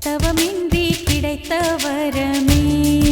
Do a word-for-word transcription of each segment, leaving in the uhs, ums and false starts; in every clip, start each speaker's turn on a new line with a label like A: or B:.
A: தவமின்றி கிடைத்த வரமே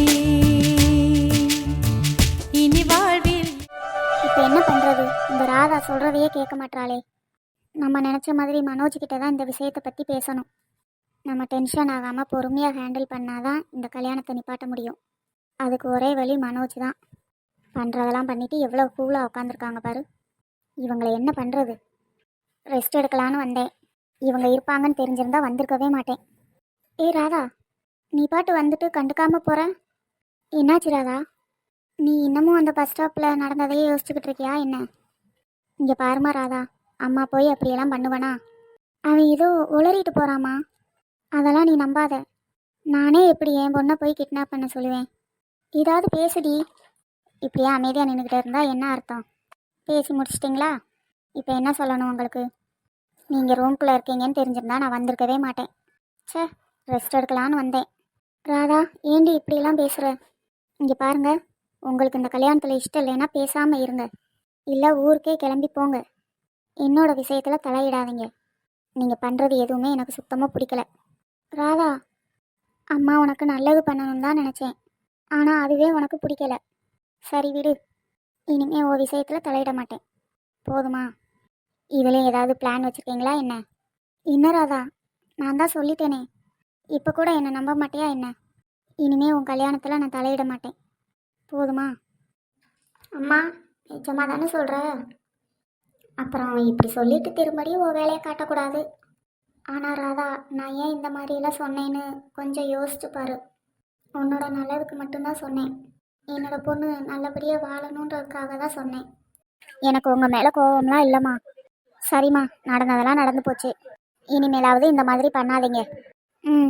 A: இனி வாழ்வில்.
B: இப்போ என்ன பண்ணுறது? இந்த ராதா சொல்கிறதையே கேட்க மாட்டாளே. நம்ம நினச்ச மாதிரி மனோஜ் கிட்ட தான் இந்த விஷயத்தை பற்றி பேசணும். நம்ம டென்ஷன் ஆகாமல் பொறுமையாக ஹேண்டில் பண்ணாதான் இந்த கல்யாணத்தை நிப்பாட்ட முடியும். அதுக்கு ஒரே வழி மனோஜ் தான். பண்ணுறதெல்லாம் பண்ணிவிட்டு எவ்வளோ கூலாக உட்காந்துருக்காங்க பாரு. இவங்களை என்ன பண்ணுறது? ரெஸ்ட் எடுக்கலான்னு வந்தேன். இவங்க இருப்பாங்கன்னு தெரிஞ்சிருந்தா வந்திருக்கவே மாட்டேன். ஏய் ராதா, நீ பாட்டு வந்துட்டு கண்டுக்காமல் போகிற. என்னாச்சு ராதா? நீ இன்னமும் அந்த பஸ் ஸ்டாப்பில் நடந்ததையே யோசிச்சுக்கிட்டு இருக்கியா என்ன? இங்கே பாருமா ராதா, அம்மா போய் அப்படியெல்லாம் பண்ணுவனா? அவன் ஏதோ உளறிட்டு போகிறாமா. அதெல்லாம் நீ நம்பாத. நானே எப்படி என் பொண்ணை போய் கிட்னாப் பண்ண சொல்லுவேன்? ஏதாவது பேசுடி. இப்படியே அமைதியாக நின்றுக்கிட்டே இருந்தால் என்ன அர்த்தம்? பேசி முடிச்சிட்டிங்களா? இப்போ என்ன சொல்லணும் உங்களுக்கு? நீங்கள் ரூம்குள்ளே இருக்கீங்கன்னு தெரிஞ்சிருந்தா நான் வந்திருக்கவே மாட்டேன். சே, ரெஸ்ட் எடுக்கலான்னு வந்தேன். ராதா, ஏண்டி இப்படிலாம் பேசுகிற? இங்கே பாருங்க, உங்களுக்கு இந்த கல்யாணத்தில் இஷ்டம் இல்லைன்னா பேசாமல் இருங்க. இல்லை ஊருக்கே கிளம்பி போங்க. என்னோட விஷயத்தில் தலையிடாதீங்க. நீங்கள் பண்ணுறது எதுவுமே எனக்கு சுத்தமாக பிடிக்கல. ராதா, அம்மா உனக்கு நல்லது பண்ணணும்னு தான் நினச்சேன். ஆனால் அதுவே உனக்கு பிடிக்கல. சரி விடு, இனிமே உன் விஷயத்தில் தலையிட மாட்டேன். போதுமா? இதுலேயும் ஏதாவது பிளான் வச்சுருக்கீங்களா என்ன? என்ன ராதா, நான் தான் சொல்லிட்டேனே. இப்போ கூட என்னை நம்ப மாட்டியா என்ன? இனிமே உன் கல்யாணத்தில் நான் தலையிட மாட்டேன். போதுமா? அம்மா, நிஜமாக தானே சொல்கிற? அப்புறம் இப்படி சொல்லிட்டு திரும்படியும் உன் வேலையை காட்டக்கூடாது. ஆனால் ராதா, நான் ஏன் இந்த மாதிரியெல்லாம் சொன்னேன்னு கொஞ்சம் யோசிச்சு பாரு. உன்னோட நல்லதுக்கு மட்டும்தான் சொன்னேன். என்னோட பொண்ணு நல்லபடியாக வாழணுன்றதுக்காக தான் சொன்னேன். எனக்கு உங்கள் மேலே கோபம்லாம் இல்லைம்மா. சரிம்மா, நடந்ததெல்லாம் நடந்து போச்சு. இனிமேலாவது இந்த மாதிரி பண்ணாதீங்க. ம்.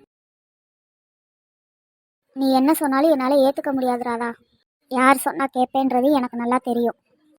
B: நீ என்ன சொன்னாலும் என்னால் ஏற்றுக்க முடியாது ராதா. யார் சொன்னால் கேட்பேன்றது எனக்கு நல்லா தெரியும்.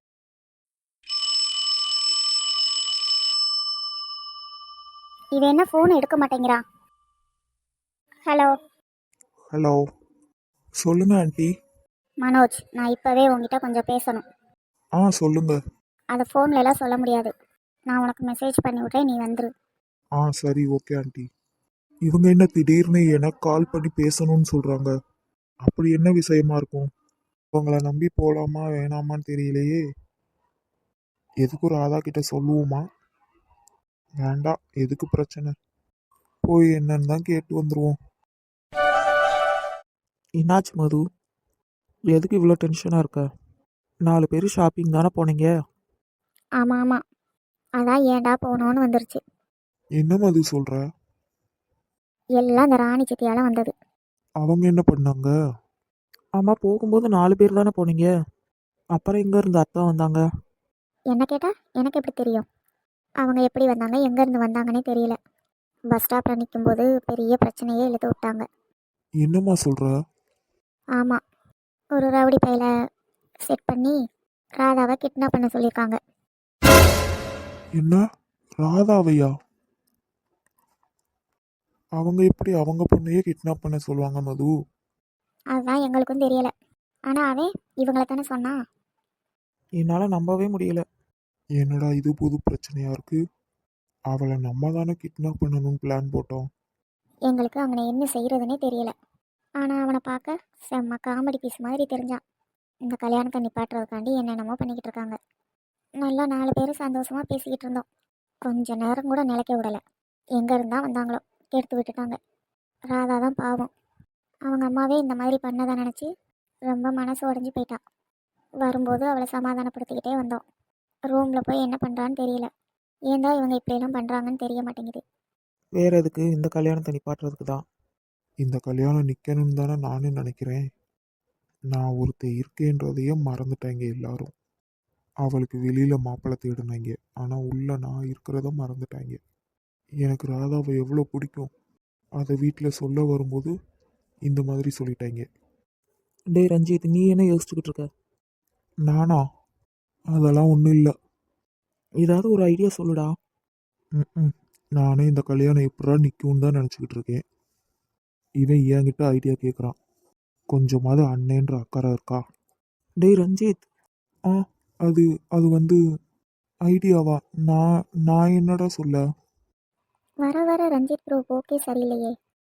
B: இது என்ன ஃபோன் எடுக்க மாட்டேங்கிறா? ஹலோ
C: ஹலோ, சொல்லுங்க ஆண்டி.
B: மனோஜ், நான் இப்போவே உங்ககிட்ட கொஞ்சம் பேசணும்.
C: ஆ சொல்லுங்க.
B: அதை ஃபோன்ல எல்லாம் சொல்ல முடியாது. நான் உனக்கு மெசேஜ் பண்ணி விட்றேன், நீ வந்துரு.
C: ஆ சரி, ஓகே ஆண்டி. இவங்க என்ன திடீர்னு எனக்கு கால் பண்ணி பேசணும்னு சொல்கிறாங்க? அப்படி என்ன விஷயமா இருக்கும்? அவங்கள நம்பி போகலாமா வேணாமான்னு தெரியலையே. எதுக்கு ஒரு ராதா கிட்ட சொல்லுவோமா? வேண்டாம், எதுக்கு பிரச்சனை? போய் என்னன்னு தான் கேட்டு வந்துடுவோம். என்னாச்சு மது? எதுக்கு இவ்வளோ டென்ஷனாக இருக்க? நாலு பேர் ஷாப்பிங் தானே போனீங்க?
B: ஆமாம் ஆமாம், அதான் ஏன்டா போகணுன்னு வந்துருச்சு.
C: என்ன மது சொல்கிற?
B: எல்லாம் இந்த ராணி சித்தியால் வந்தது.
C: அவங்க என்ன பண்ணாங்க? ஆமாம், போகும்போது நாலு பேர் தானே போனீங்க. அப்புறம் எங்கே இருந்து அத்தை வந்தாங்க?
B: என்ன கேட்டால் எனக்கு எப்படி தெரியும்? அவங்க எப்படி வந்தாங்க, எங்கேருந்து வந்தாங்கன்னே தெரியல. பஸ் ஸ்டாப்பில் நிற்கும்போது பெரிய பிரச்சனையே இழுத்து விட்டாங்க.
C: என்னம்மா சொல்கிற?
B: ஆமாம், ஒரு ரவுடி பையில செட் பண்ணி ராதாவை கிட்னாப் பண்ண சொல்லியிருக்காங்க.
C: என்ன, ராதாவையா? அவங்க எப்படி அவங்க பொண்ணையே கிட்னாப் பண்ண சொல்லுவாங்க மது?
B: அதுதான் எங்களுக்கும் தெரியல. ஆனால் அவன் இவங்களை தானே சொன்னான்.
C: என்னால் நம்பவே முடியல. என்னடா இது புது பிரச்சனையா இருக்கு? அவளை நம்ம தானே கிட்னாப் பண்ணணும்னு பிளான் போட்டோம்.
B: எங்களுக்கு அவனை என்ன செய்கிறதுனே தெரியல. ஆனால் அவனை பார்க்க செம்ம காமெடி பீஸ் மாதிரி தெரிஞ்சான். இந்த கல்யாணத்தை நிப்பாட்டுறதுக்காண்டி என்னென்னமோ பண்ணிக்கிட்டு இருக்காங்க. நல்லா நாலு பேரும் சந்தோஷமாக பேசிக்கிட்டு இருந்தோம். கொஞ்ச நேரம் கூட நிலைக்க விடலை. எங்கே இருந்தால் வந்தாங்களோ கெடுத்து விட்டுட்டாங்க. ராதா தான் பாவம். அவங்க அம்மாவே இந்த மாதிரி பண்ணதை நினச்சி ரொம்ப மனசு உடஞ்சி போயிட்டா. வரும்போது அவளை சமாதானப்படுத்திக்கிட்டே வந்தோம். ரூமில் போய் என்ன பண்ணுறான்னு தெரியல. ஏன் தான் இவங்க இப்படியெல்லாம் பண்ணுறாங்கன்னு தெரிய மாட்டேங்குது.
C: வேற எதுக்கு? இந்த கல்யாணத்தை நிப்பாட்டுறதுக்கு தான். இந்த கல்யாணம் நிற்கணும்னு தானே நானும் நினைக்கிறேன். நான் ஒருத்தர் இருக்கேன்றதையே மறந்துட்டாங்க எல்லாரும். அவளுக்கு வெளியில் மாப்பிள்ளை தேடினாங்க, ஆனால் உள்ள நான் இருக்கிறத மறந்துட்டாங்க. எனக்கு ராதாவை எவ்வளோ பிடிக்கும், அதை வீட்டில் சொல்ல வரும்போது இந்த மாதிரி சொல்லிட்டாங்க. டே ரஞ்சித், நீ என்ன யோசிச்சுக்கிட்டு இருக்க? நானா? அதெல்லாம் ஒன்றும் இல்லை. ஏதாவது ஒரு ஐடியா சொல்லுடா. ம் நானே இந்த கல்யாணம் எப்படா நிற்கும்னு தான் நினச்சிக்கிட்டு இருக்கேன். இவன் என்கிட்ட ஐடியா கேட்குறான். கொஞ்சமாவது அண்ணேன்ற அக்கறை இருக்கா? டேய் ரஞ்சித், ஆ அது அது வந்து ஐடியாவா? நான் நான் என்னடா சொல்ல?
B: வர வர ரஞ்சித் ப்ரோ ஓகே சரியில்லையே.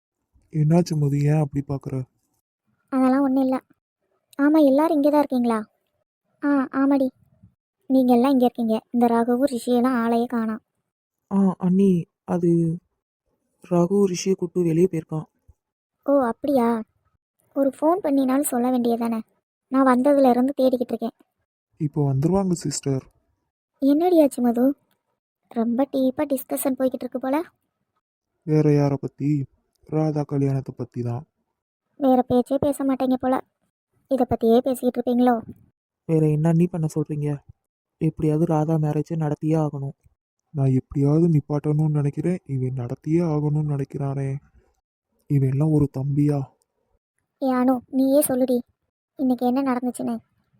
C: என்னாச்சு மது, ஏன் அப்படி பார்க்குற?
B: அதெல்லாம் ஒன்றும் இல்லை. ஆமாம், எல்லாரும் இங்கே தான் இருக்கீங்களா? ஆ ஆமாடி. நீங்கள் எல்லாம் இங்கே இருக்கீங்க. இந்த ராகவும் ரிஷியெல்லாம் ஆளையே காணோம்.
D: ஆ அண்ணி, அது ரகு ரிஷியை கூட்டு வெளியே போயிருக்கான்.
B: ஓ அப்படியா? ஒரு ஃபோன் பண்ணினாலும் சொல்ல வேண்டியதானே. நான் வந்ததுலேருந்து தேடிக்கிட்டு இருக்கேன்.
C: இப்போ வந்துருவாங்க சிஸ்டர்.
B: என்னடியாச்சு மது? ரொம்ப டீப்பாக டிஸ்கஷன் போய்கிட்டு இருக்கு போல.
C: வேற யாரை பற்றி? ராதா கல்யாணத்தை பற்றி தான்.
B: வேறு பேச்சே பேச மாட்டேங்க போல. இதை பற்றியே பேசிக்கிட்டு இருப்பீங்களோ?
D: வேற என்ன அண்ணி பண்ண சொல்கிறீங்க? எப்படியாவது ராதா மேரேஜை நடத்தியே ஆகணும்.
C: நான் எப்படியாவது நிப்பாட்டணும்னு நினைக்கிறேன், இவன் நடத்தியே ஆகணும்னு நினைக்கிறானே. இவன் எல்லாம் ஒரு தம்பியா?
B: ஏ அனு, நீயே சொல்லுடி, இன்னைக்கு என்ன நடந்துச்சுன்னு.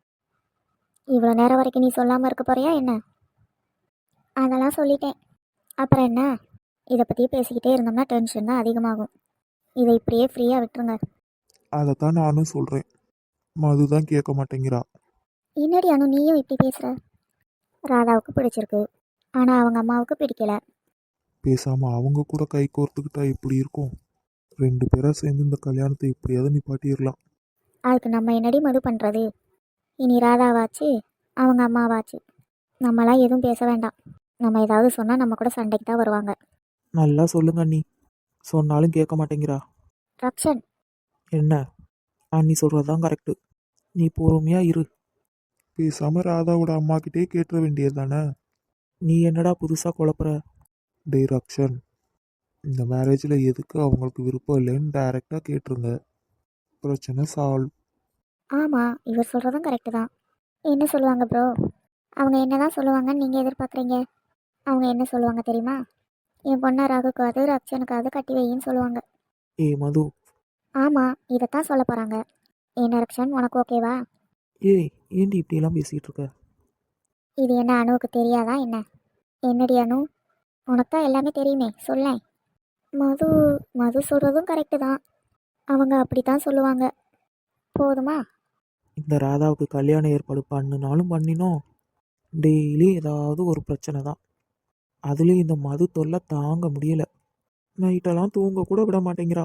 B: இவ்வளோ நேரம் வரைக்கும் நீ சொல்லாமல் இருக்க போறியா என்ன? அதெல்லாம் சொல்லிட்டேன். அப்புறம் என்ன? இதை பற்றியே பேசிக்கிட்டே இருந்தோம்னா டென்ஷன் தான் அதிகமாகும். இதை இப்படியே ஃப்ரீயாக விட்டுருங்க.
C: அதைத்தான் நானும் சொல்கிறேன். மது தான் கேட்க மாட்டேங்கிறா.
B: என்னடி அனு நீயும் இப்படி பேசுகிற? ராதாவுக்கு பிடிச்சிருக்கு, ஆனால் அவங்க அம்மாவுக்கு பிடிக்கல.
C: பேசாமல் அவங்க கூட கை கோர்த்துக்கிட்டா எப்படி இருக்கும்? ரெண்டு பேராக சேர்ந்து இந்த கல்யாணத்தை எப்படியாவது நிப்பாட்டிடலாம்.
B: அதுக்கு நம்ம என்னடி மது பண்ணுறது? இனி ராதாவாச்சு, அவங்க அம்மாவாச்சு, நம்மளாம் எதுவும் பேச வேண்டாம். நம்ம ஏதாவது சொன்னால் நம்ம கூட சண்டைக்கு தான் வருவாங்க.
D: நல்லா சொல்லுங்க அண்ணி. சொன்னாலும் கேட்க மாட்டேங்கிறா.
B: ரக்ஷன்,
D: என்ன? அண்ணி சொல்கிறது தான் கரெக்டு. நீ பொறுமையாக இரு.
C: பேசாமல் ராதாவோட அம்மா கிட்டே கேட்டுற வேண்டியது தானே.
D: நீ என்னடா புதுசாக குழப்புற?
C: டே ரக்ஷன், இந்த மேரேஜில் எதுக்கு அவங்களுக்கு விருப்பம் இல்லைன்னு டைரெக்டாக கேட்டுருங்க. பிரச்சனை சால்வ்.
B: ஆமாம், இவர் சொல்கிறதும் கரெக்டு தான். என்ன சொல்லுவாங்க ப்ரோ? அவங்க என்ன தான் சொல்லுவாங்கன்னு நீங்கள் எதிர்பார்க்குறீங்க? அவங்க என்ன சொல்லுவாங்க தெரியுமா? என் பொண்ணை ராகுக்காவது ரக்ஷனுக்காவது கட்டி வையின்னு சொல்லுவாங்க.
D: ஏ மது.
B: ஆமாம், இதைத்தான் சொல்ல போகிறாங்க. என்ன ரக்ஷன், உனக்கு ஓகேவா?
D: ஏய், ஏண்டி இப்படியெல்லாம் பேசிகிட்டு இருக்க?
B: இது என்ன அணுவுக்கு தெரியாதா என்ன? என்னடி அணு, உனக்கு தான் எல்லாமே தெரியுமே, சொல்லேன். மது மது சொல்கிறதும் கரெக்டு தான். அவங்க அப்படி தான் சொல்லுவாங்க. போதுமா?
D: இந்த ராதாவுக்கு கல்யாணம் ஏற்பாடு பண்ணினாலும் பண்ணினோம், டெய்லி ஏதாவது ஒரு பிரச்சனை தான். அதுலேயும் இந்த மது தொல்லை தாங்க முடியல. நைட்டெல்லாம் தூங்க கூட விட மாட்டேங்கிறா.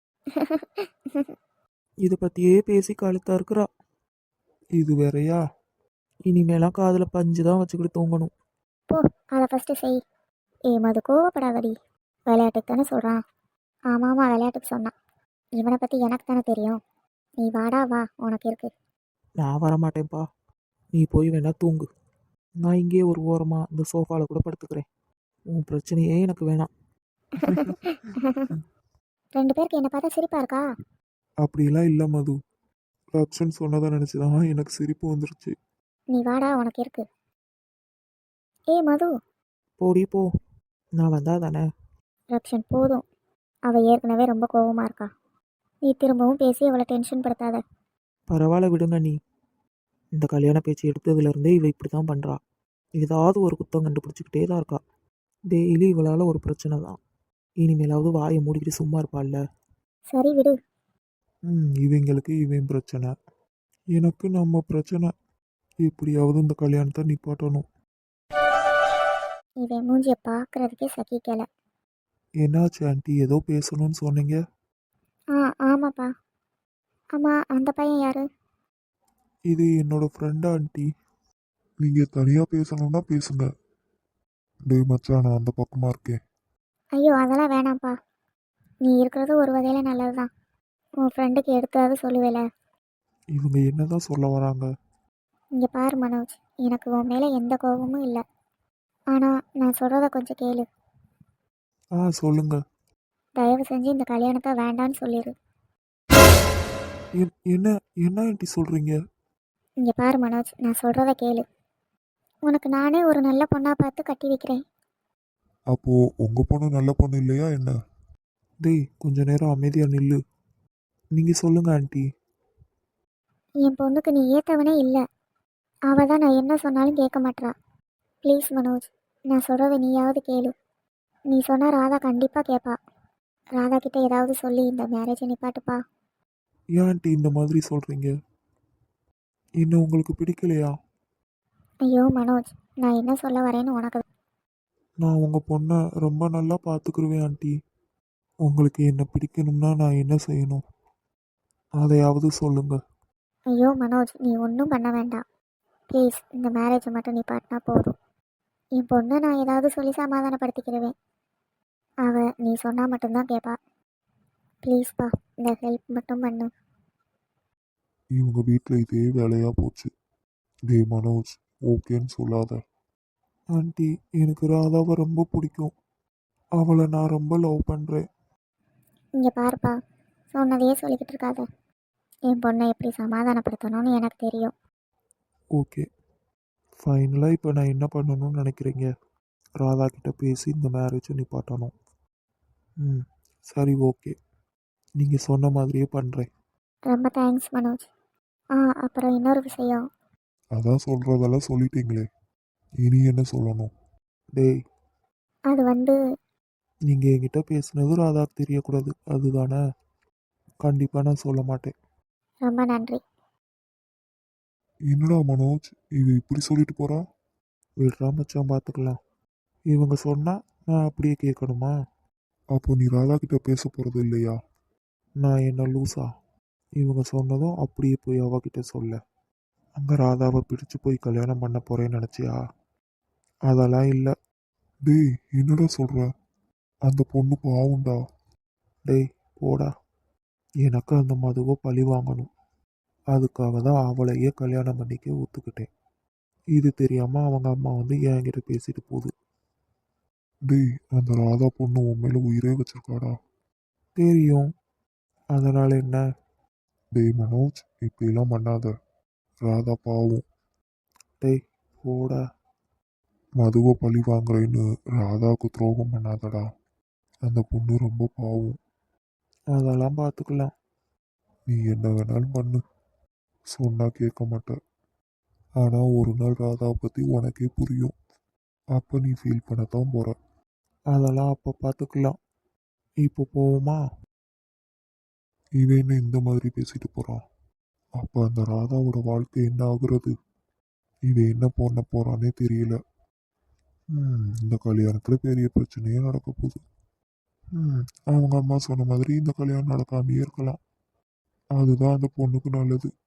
D: இதை பற்றியே பேசி கழுத்தா இருக்கிறா.
C: இது வேறயா?
D: இனிமேலாம் காதில் பஞ்சு தான் வச்சுக்கிட்டு தூங்கணும்.
B: போ, அதை ஃபஸ்ட்டு செய். ஏ மது, கோவப்படாதடி. விளையாட்டுக்கு தானே சொல்கிறான். ஆமாம் ஆமாம், விளையாட்டுக்கு சொன்னான். இவனை பற்றி எனக்கு தானே தெரியும். நீ வாடா வா, உனக்கு இருக்கு.
D: நான் வரமாட்டேன்ப்பா. நீ போய் வேணா தூங்கு. நான் இங்கேயே ஒரு ஓரமாக இந்த சோஃபாவில் கூட படுத்துக்கிறேன். உன் பிரச்சனையே எனக்கு வேணாம்.
B: ரெண்டு பேருக்கு என்னை பார்த்தா சிரிப்பா இருக்கா?
C: அப்படிலாம் இல்லை மது. ரக்ஷன் சொன்னதை நினச்சி தான் எனக்கு சிரிப்பு வந்துருச்சு.
B: நீ வாடா, உனக்கு இருக்கு. ஏ மது.
D: போடி போ. நான் வந்தா தானே.
B: ரக்ஷன் போதும். அவள் ஏற்கனவே ரொம்ப கோவமாக இருக்கா. நீ திரும்பவும் பேசி அவளை டென்ஷன் படுத்தாத.
D: பரவாயில்ல விடுங்க நீ. இந்த கல்யாண பேச்சு எடுத்ததுலேருந்தே இவ இப்படி தான் பண்ணுறா. ஏதாவது ஒரு குத்தம் கண்டுபிடிச்சிக்கிட்டே தான் இருக்கா. டெய்லி இவளால் ஒரு பிரச்சனை தான். இனிமேலாவது வாயை மூடிக்கிட்டு சும்மா இருப்பாள்ல.
B: சரி விடு.
C: ம் இவங்களுக்கு இவன் பிரச்சனை, எனக்கு நம்ம பிரச்சனை. எப்படியாவது இந்த கல்யாணத்தை நிப்பாட்டணும்.
B: இவன் மூஞ்சியை பார்க்கறதுக்கே சகிக்கல.
C: என்னாச்சு ஆண்டி, ஏதோ பேசணும்னு சொன்னீங்க?
B: ஆ ஆமாப்பா. ஆமாம், அந்த பையன் யாரு?
C: இது என்னோட ஃப்ரெண்ட் ஆண்டி. நீங்கள் தனியாக பேசணும்னா பேசுங்க. டேய் மச்சான், நான் அந்த பக்கமாக இருக்கேன்.
B: ஐயோ அதெல்லாம் வேணாம்ப்பா. நீ இருக்கிறது ஒரு வகையில் நல்லது தான். உன் ஃப்ரெண்டுக்கு எடுத்தாவது சொல்லுவேல.
C: இவங்க என்னதான் சொல்ல வராங்க?
B: இங்கே பாரு மனோஜ், எனக்கு உன் மேலே எந்த கோபமும் இல்லை. ஆனால் நான் சொல்கிறத கொஞ்சம் கேளு.
C: ஆ சொல்லுங்க.
B: தயவு செஞ்சு இந்த கல்யாணத்தை வேண்டான்னு சொல்லிடு.
C: என்- என்ன என்ன ஆண்டி சொல்கிறீங்க?
B: இங்கே பாரு மனோஜ், நான் சொல்கிறத கேளு. உனக்கு நானே ஒரு நல்ல பொண்ணாக பார்த்து கட்டி வைக்கிறேன்.
C: அப்போது உங்கள் பொண்ணு நல்ல பொண்ணு இல்லையா என்ன? டேய் கொஞ்ச நேரம் அமைதியாக நில்லு. நீங்கள் சொல்லுங்க ஆண்டி.
B: என் பொண்ணுக்கு நீ ஏற்றவனே இல்லை. அவள் தான் நான் என்ன சொன்னாலும் கேட்க மாட்றா. ப்ளீஸ் மனோஜ், நான் சொல்கிறத நீயாவது கேளு. நீ சொன்னால் ராதா கண்டிப்பாக கேட்பா. ராதா கிட்ட ஏதாவது சொல்லி இந்த மேரேஜை நிப்பாட்டுப்பா.
C: ஏன் ஆண்டி இந்த மாதிரி சொல்கிறீங்க? என்ன உங்களுக்கு பிடிக்கலையா?
B: ஐயோ மனோஜ், நான் என்ன சொல்ல வரேன்னு உனக்கு.
C: நான் உங்கள் பொண்ணை ரொம்ப நல்லா பார்த்துக்குருவேன் ஆண்டி. உங்களுக்கு என்ன பிடிக்கணும்னா நான் என்ன செய்யணும்? அதையாவது சொல்லுங்க.
B: ஐயோ மனோஜ், நீ ஒன்றும் பண்ண வேண்டாம். ப்ளீஸ், இந்த மேரேஜை மட்டும் நீ பாட்டினா போதும். என் பொண்ணை நான் ஏதாவது சொல்லி சமாதானப்படுத்திக்கிடுவேன். அவள் நீ சொன்னால் மட்டும்தான் கேட்பா. ப்ளீஸ்ப்பா, இந்த ஹெல்ப் மட்டும் பண்ணு.
C: இவங்க வீட்டில் இதே வேலையாக போச்சு. டேய் மனோஜ், ஓகேன்னு சொல்லாத. ஆண்டி, எனக்கு ராதாவை ரொம்ப பிடிக்கும். அவளை நான் ரொம்ப லவ் பண்ணுறேன்.
B: இங்கே பாருப்பா, சொன்னதையே சொல்லிக்கிட்டு இருக்காத. என் பொண்ணை எப்படி சமாதானப்படுத்தணும்னு எனக்கு தெரியும்.
C: ஓகே, ஃபைனலாக இப்போ நான் என்ன பண்ணணும்னு நினைக்கிறீங்க? ராதா கிட்ட பேசி இந்த மேரேஜை நிப்பாட்டணும். ம், சரி, ஓகே. நீங்கள் சொன்ன மாதிரியே பண்ணுறேன்.
B: ரொம்ப தேங்க்ஸ் மனோஜ். ஆ, அப்புறம் இன்னொரு விஷயம்.
C: அதான் சொல்கிறதெல்லாம் சொல்லிட்டீங்களே, இனி என்ன சொல்லணும்? டேய்,
B: அது வந்து
C: நீங்கள் என்கிட்ட பேசுனது ராதாக்கு தெரியக்கூடாது, அதுதானே? கண்டிப்பாக நான் சொல்ல மாட்டேன்.
B: ரொம்ப நன்றி.
C: என்னடா மனோஜ், இவ இப்படி சொல்லிட்டு போறா? விடுறா மச்சான், பார்த்துக்கலாம். இவங்க சொன்னா நான் அப்படியே கேட்கணுமா? அப்போ நீ ராதா கிட்ட பேச போறது இல்லையா? நான் என்ன லூசா? இவங்க சொன்னதும் அப்படியே போய் அவகிட்ட சொல்ல. அங்க ராதாவை பிடிச்சு போய் கல்யாணம் பண்ண போறேன்னு நினைச்சியா? அதெல்லாம் இல்லை. டேய், என்னடா சொல்ற? அந்த பொண்ணு பாவுண்டா. டேய், போடா. எனக்கு அந்த மதுவை பழி வாங்கணும். அதுக்காக தான் அவளையே கல்யாணம் பண்ணிக்க ஒத்துக்கிட்டேன். இது தெரியாம அவங்க அம்மா வந்து என்கிட்ட பேசிட்டு போகுது. டேய், அந்த ராதா பொண்ணு உன் மேல உயிரே வச்சிருக்காடா. தெரியும். அதனால என்ன? டேய் மனோஜ், இப்படிலாம் பண்ணாத. ராதா பாவம். டேய், போடா. மதுவை பழி வாங்குறேன்னு ராதாவுக்கு துரோகம் பண்ணாதடா. அந்த பொண்ணு ரொம்ப பாவம். அதெல்லாம் பார்த்துக்கலாம். நீ என்ன வேணாலும் பண்ணு, சொன்னா கேட்க மாட்டேன். ஆனால் ஒரு நாள் ராதாவை பற்றி உனக்கே புரியும். அப்போ நீ ஃபீல் பண்ணத்தான் போற. அதெல்லாம் அப்போ பார்த்துக்கலாம். இப்போ போவோமா? இவன் என்ன இந்த மாதிரி பேசிட்டு போறான்? அப்போ அந்த ராதாவோட வாழ்க்கை என்ன ஆகுறது? இவன் என்ன பண்ண போறானே தெரியல. ம், இந்த கல்யாணத்தில் பெரிய பிரச்சனையே நடக்க போகுது. ம், அவங்க அம்மா சொன்ன மாதிரி இந்த கல்யாணம் நடக்காமையே இருக்கலாம். அதுதான் அந்த பொண்ணுக்கு நல்லது.